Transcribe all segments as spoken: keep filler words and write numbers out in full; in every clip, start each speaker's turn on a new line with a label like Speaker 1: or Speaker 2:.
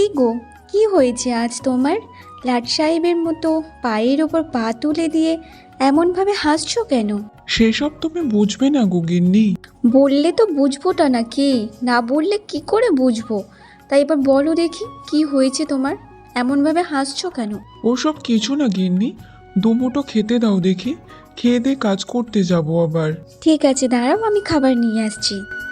Speaker 1: গো, কি হয়েছে আজ তোমার? লাট সাহেবের মতো পায়ের ওপর পা তুলে দিয়ে এমনভাবে হাসছো কেন?
Speaker 2: সেসব তুমি বুঝবে না গো গিন্নি।
Speaker 1: বললে তো বুঝবোটা না কি, না বললে কি করে বুঝবো? তাই এবার বলো দেখি, কি হয়েছে তোমার? এমনভাবে হাসছো কেন?
Speaker 2: ওসব কিছু না গিন্নি, দুমুটো খেতে দাও দেখি, খেয়ে দিয়ে কাজ করতে যাবো আবার।
Speaker 1: ঠিক আছে, দাঁড়াও, আমি খাবার নিয়ে আসছি।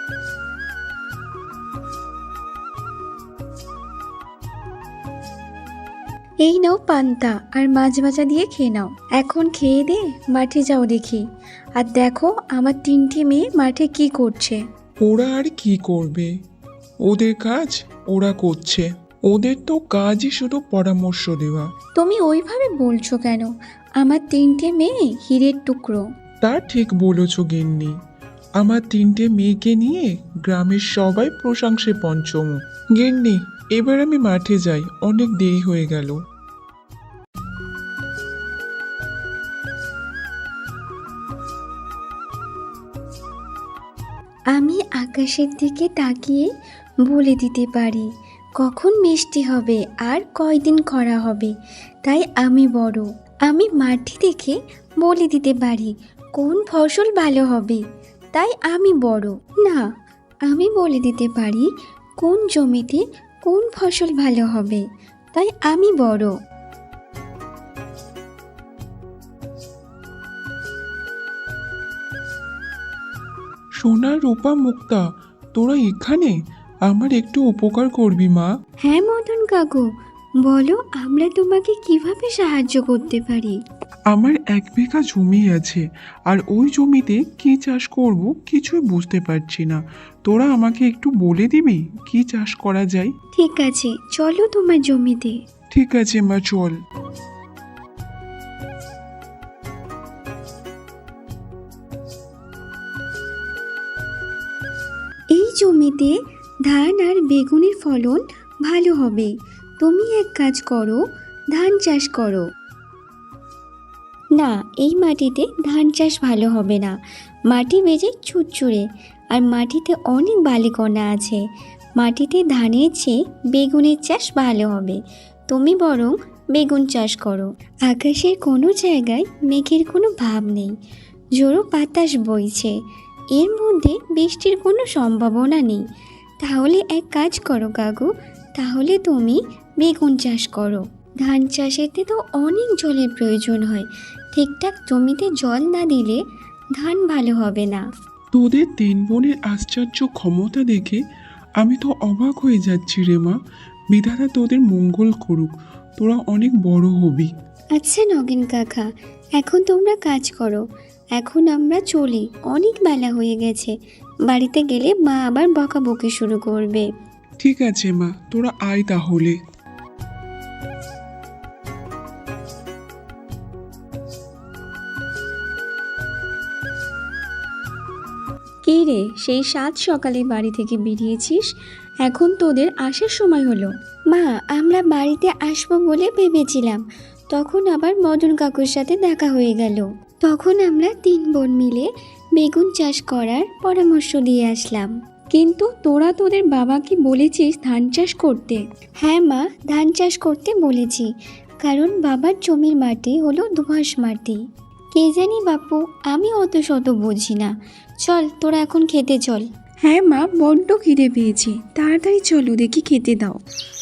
Speaker 1: এই নাও পান্তা আর মাছ ভাজা দিয়ে খেয়ে নাও। এখন খেয়ে দে মাঠে যাও দেখি। আর দেখো আমার তিনটি মেয়ে মাঠে কি করছে।
Speaker 2: ওরা আর কি করবে? ওদের কাজ ওরা করছে। ওদের তো কাজই শুধু পরামর্শ দেওয়া।
Speaker 1: তুমি ওইভাবে বলছো কেন? আমার তিনটে মেয়ে হীরের টুকরো।
Speaker 2: তা ঠিক বলেছ গিন্নি। আমার তিনটে মেয়েকে নিয়ে গ্রামের সবাই প্রশংসে পঞ্চম। গিন্নি, এবার আমি মাঠে যাই, অনেক দেরি হয়ে গেল।
Speaker 1: আমি আকাশের দিকে তাকিয়ে বলে দিতে পারি কখন বৃষ্টি হবে আর কয়দিন খরা হবে। তাই আমি বড়। আমি মাটি দেখে বলে দিতে পারি কোন ফসল ভালো হবে। তাই আমি বড়। না, আমি বলে দিতে পারি কোন জমিতে কোন ফসল ভালো হবে। তাই আমি বড়।
Speaker 2: সোনা, রূপা, মুক্তা, তোরা এখানে? আমার একটু উপকার করবি মা।
Speaker 1: হ্যাঁ মদন কাকু, বলো আমরা তোমাকে কিভাবে সাহায্য করতে পারি।
Speaker 2: আমার এক বিঘা জমি আছে, আর ওই জমিতে কি চাষ করব কিছুই বুঝতে পারছি না। তোরা আমাকে একটু বলে দিবি কি চাষ করা যায়?
Speaker 1: ঠিক আছে, চলো তোমার জমিতে।
Speaker 2: ঠিক আছে মা, চল।
Speaker 1: এই জমিতে ধান আর বেগুনের ফলন ভালো হবে। তুমি এক কাজ করো, ধান চাষ করো। না, এই মাটিতে ধান চাষ ভালো হবে না। মাটি বেজে চুরচুরে, আর মাটিতে অনেক বালিকণা আছে। মাটিতে ধানের চেয়ে বেগুনের চাষ ভালো হবে। তুমি বরং বেগুন চাষ করো। আকাশের কোনো জায়গায় মেঘের কোনো ভাব নেই, জোরো বাতাস বইছে। এর মধ্যে বৃষ্টির কোনো সম্ভাবনা নেই। তাহলে এক কাজ করো কাকু, তাহলে তুমি বেগুন চাষ করো। ধান চাষেতে তো অনেক জলের প্রয়োজন হয়। ঠিকঠাক জমিতে জল না দিলে ধান ভালো হবে না।
Speaker 2: তোদের তিন বোনের আশ্চর্য ক্ষমতা দেখে আমি তো অবাক হয়ে যাচ্ছি রে মা। বিধাতা তোদের মঙ্গল করুক, তোরা অনেক বড় হবি।
Speaker 1: আচ্ছা নগেন কাকা, এখন তোমরা কাজ করো। এখন আমরা চলি, অনেক বেলা হয়ে গেছে। বাড়িতে গেলে মা আবার বকাবকি শুরু করবে।
Speaker 2: ঠিক আছে মা, তোরা আয় তাহলে।
Speaker 1: কী রে, সেই সাত সকালে বাড়ি থেকে বেরিয়েছিস, এখন তোদের আসার সময় হলো? মা, আমরা বাড়িতে আসবো বলে ভেবেছিলাম, তখন আবার মদন কাকুর সাথে দেখা হয়ে গেল। তখন আমরা তিন বোন মিলে বেগুন চাষ করার পরামর্শ দিয়ে আসলাম। কিন্তু তোরা তোদের বাবাকে বলেছিস ধান চাষ করতে? হ্যাঁ মা, ধান চাষ করতে বলেছি, কারণ বাবার জমির মাটি হলো দোআঁশ মাটি। কে জানি বাপু, আমি অত শত বুঝি না। চল, তোরা এখন খেতে চল। হ্যাঁ মা, বড্ড খিদে পেয়েছি, তাড়াতাড়ি চলো দেখি খেতে দাও।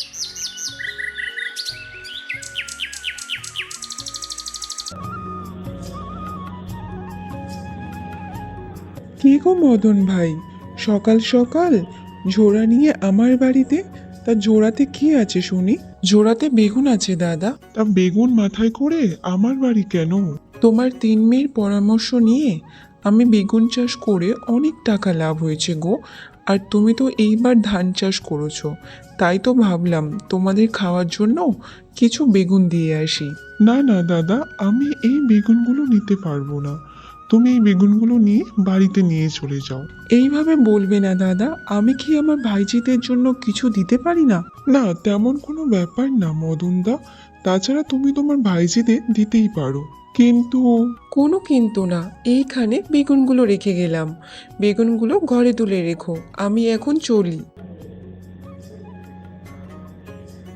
Speaker 2: কি গো মদন ভাই, সকাল সকাল ঝোড়া নিয়ে আমার বাড়িতে? তা ঝোড়াতে কি আছে শুনি? ঝোড়াতে বেগুন আছে দাদা। তা বেগুন মাথায় করে আমার বাড়ি কেন? তোমার তিন মেয়ের পরামর্শ নিয়ে আমি বেগুন চাষ করে অনেক টাকা লাভ হয়েছে গো। আর তুমি তো এইবার ধান চাষ করেছো, তাই তো ভাবলাম তোমাদের খাওয়ার জন্য কিছু বেগুন দিয়ে আসি। না না দাদা, আমি এই বেগুনগুলো নিতে পারবো না। তুমি এই বেগুনগুলো নিয়ে বাড়িতে নিয়ে চলে যাও। এইভাবে বলবে না দাদা, আমি কি আমার ভাইজিদের জন্য কিছু দিতে পারি না? না, তেমন কোনো ব্যাপার না মদনদা। তাছাড়া তুমি তোমার ভাইজিদের দিতেই পারো। কিন্তু কোনো কিন্তু না, এইখানে বেগুনগুলো রেখে গেলাম। বেগুনগুলো ঘরে তুলে রেখো, আমি এখন চলি।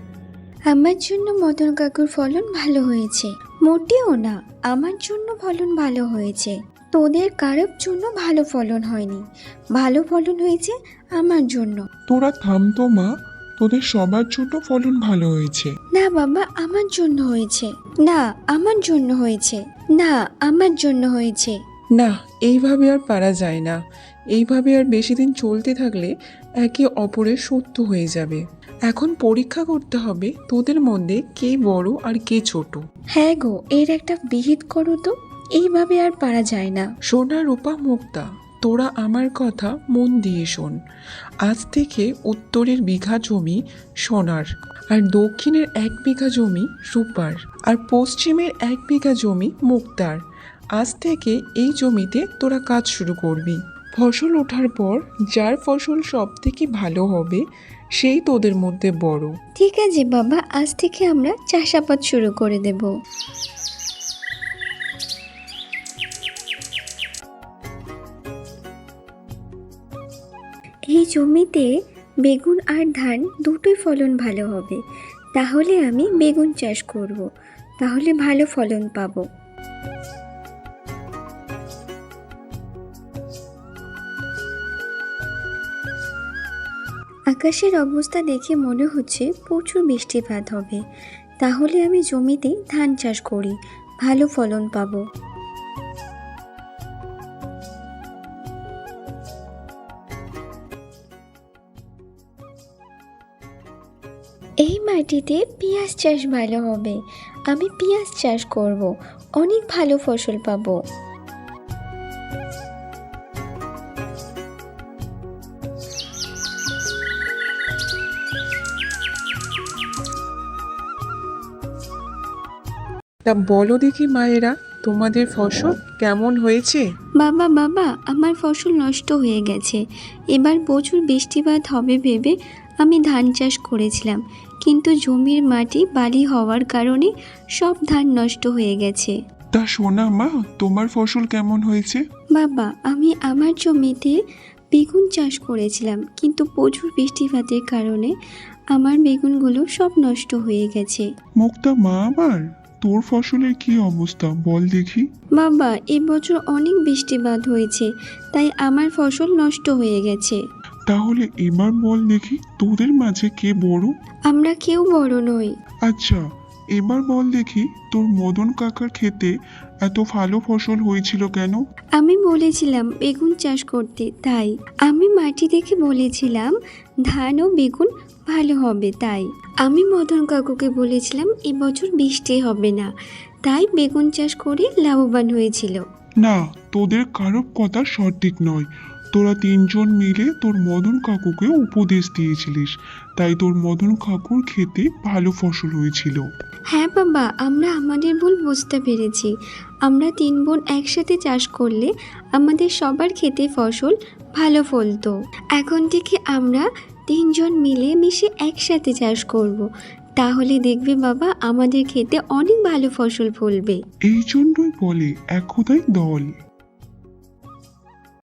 Speaker 1: আমার জন্য মদন কাকুর ফলন ভালো হয়েছে। মোটেও না, আমার জন্য ফলন ভালো হয়েছে। তোদের কারোর জন্য ভালো ফলন হয়নি, ভালো ফলন হয়েছে আমার জন্য।
Speaker 2: তোরা থাম তো মা, তোদের সবার জন্য ফলন ভালো হয়েছে।
Speaker 1: না বাবা, আমার জন্য হয়েছে। না, আমার জন্য হয়েছে। না, আমার জন্য হয়েছে।
Speaker 2: না, এইভাবে আর পারা যায় না। এইভাবে আর বেশি দিন চলতে থাকলে একে অপরের শত্রু হয়ে যাবে। এখন পরীক্ষা করতে হবে তোদের মধ্যে কে বড় আর কে ছোট।
Speaker 1: হ্যাঁ গো, এর একটা বিহিত করো তো, এইভাবে আর পারা যায় না।
Speaker 2: সোনা রূপা মুক্তা, তোরা আমার কথা মন দিয়ে শোন। আজ থেকে উত্তরের বিঘা জমি সোনার, আর দক্ষিণের এক বিঘা জমি রূপার, আর পশ্চিমের এক বিঘা জমি মুক্তার। আজ থেকে এই জমিতে তোরা কাজ শুরু করবি। ফসল ওঠার পর যার ফসল সব থেকে ভালো হবে সেই তোদের মধ্যে বড়।
Speaker 1: ঠিক আছে বাবা, আজ থেকে আমরা চাষাবাদ শুরু করে দেব। এই জমিতে বেগুন আর ধান দুটোই ফলন ভালো হবে। তাহলে আমি বেগুন চাষ করব, তাহলে ভালো ফলন পাবো। আকাশের অবস্থা দেখে মনে হচ্ছে প্রচুর বৃষ্টিপাত হবে। তাহলে আমি জমিতে ধান চাষ করি, ভালো ফলন পাবো। এই মাটিতে পেঁয়াজ চাষ ভালো হবে, আমি পেঁয়াজ চাষ করব, অনেক ভালো ফসল পাবো।
Speaker 2: তা বলো দেখি মায়েরা, তোমাদের ফসল কেমন হয়েছে?
Speaker 1: বাবা বাবা, আমার ফসল নষ্ট হয়ে গেছে। এবার প্রচুর বৃষ্টিপাত হবে ভেবে আমি ধান চাষ করেছিলাম, কিন্তু জমির মাটি বালি হওয়ার কারণে সব ধান নষ্ট হয়ে গেছে।
Speaker 2: তা সোনা মা, তোমার ফসল কেমন হয়েছে?
Speaker 1: বাবা, আমি আমার জমিতে বেগুন চাষ করেছিলাম, কিন্তু প্রচুর বৃষ্টিপাতের কারণে আমার বেগুনগুলো সব নষ্ট হয়ে গেছে।
Speaker 2: মুক্তা মা, আমার তোর ফসলের কি অবস্থা বল দেখি।
Speaker 1: বাবা, এবছর অনেক বৃষ্টিপাত হয়েছে, তাই আমার ফসল নষ্ট হয়ে গেছে।
Speaker 2: তাহলে এবার বল দেখি তোদের মাঝে কে বড়?
Speaker 1: আমরা কেউ বড় নই।
Speaker 2: আচ্ছা, এবার বল দেখি তোর মদন কাকার ক্ষেতে এত ভালো ফসল হয়েছিল কেন?
Speaker 1: আমি বলেছিলাম বেগুন চাষ করতে, তাই আমি মাটি দেখে বলেছিলাম ধান ও বেগুন ভালো হবে, তাই আমি মদন কাকুকে বলেছিলাম এবছর বৃষ্টি হবে না, তাই বেগুন চাষ করে লাভবান হয়েছিল।
Speaker 2: না, তোদের কারো কথা সঠিক নয়। তোরা তিনজন মিলে তোর মদন কাকুকে উপদেশ দিয়েছিলিস, তাই তোর মদন কাকুর ক্ষেতে ভালো ফসল হয়েছিল।
Speaker 1: হ্যাঁ বাবা, আমরা আমাদের ভুল বুঝতে পেরেছি। আমরা তিন বোন একসাথে চাষ করলে আমাদের সবার ক্ষেতে ফসল ভালো ফলতো। এখন থেকে আমরা তিনজন মিলে মিশে একসাথে চাষ করব, তাহলে দেখবে বাবা আমাদের ক্ষেতে অনেক ভালো ফসল ফলবে।
Speaker 2: এই জন্যই বলে একতাই দল।